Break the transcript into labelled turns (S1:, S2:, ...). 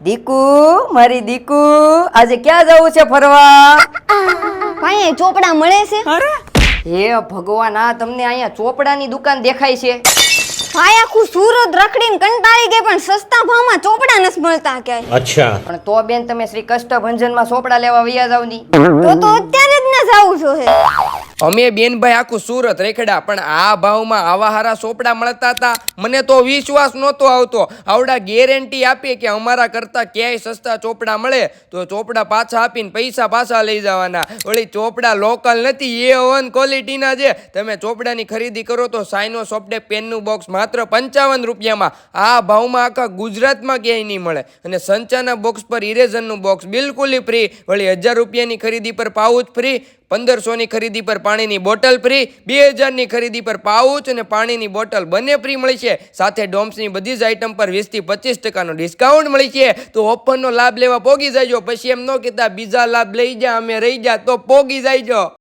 S1: દીકુ, મારી દીકુ, આજે ક્યાં જવું છે ફરવા?
S2: ભાઈ ચોપડા મળે છે?
S1: હે ભગવાન, આ તમને અહીંયા ચોપડાની દુકાન દેખાય છે?
S2: ભાઈ આખું સુરત રખડીને કંટાળી ગઈ પણ સસ્તા ભાવમાં ચોપડા નથી મળતા ક્યાંય.
S3: अच्छा
S1: પણ તો બેન તમે શ્રી કષ્ટભંજનમાં ચોપડા લેવા વયા જાવ ની.
S2: તો અત્યારે જ ના જાવું જોઈએ.
S4: અમે બેનભાઈ આખું સુરત રેખડા પણ આ ભાવમાં આવા હારા ચોપડા મળતા હતા. મને તો વિશ્વાસ નહોતો આવતો. આવડા ગેરંટી આપીએ કે અમારા કરતા ક્યાંય સસ્તા ચોપડા મળે તો ચોપડા પાછા આપીને પૈસા પાછા લઈ જવાના. વળી ચોપડા લોકલ નથી, A1 ક્વોલિટીના છે. તમે ચોપડાની ખરીદી કરો તો સાઇનો સોફ્ટટેપ પેનનું બોક્સ માત્ર 55 રૂપિયામાં. આ ભાવમાં આખા ગુજરાતમાં ક્યાંય નહીં મળે. અને સંચાના બોક્સ પર ઇરેઝરનું બોક્સ બિલકુલ ફ્રી. વળી 1000 રૂપિયાની ખરીદી પર પાઉચ ફ્રી, 1500ની ખરીદી પર પાણીની બોટલ ફ્રી, 2000ની ખરીદી પર પાઉચ અને પાણીની બોટલ બંને ફ્રી મળી છે. સાથે ડોમ્સની બધી જ આઇટમ પર 20 થી 25% ડિસ્કાઉન્ટ મળી છે. તો ઓફરનો લાભ લેવા પોગી જાયજો. પછી એમ ન કહેતા બીજા લાભ લઈ જા અમે રહી જા, તો પોગી જાયજો.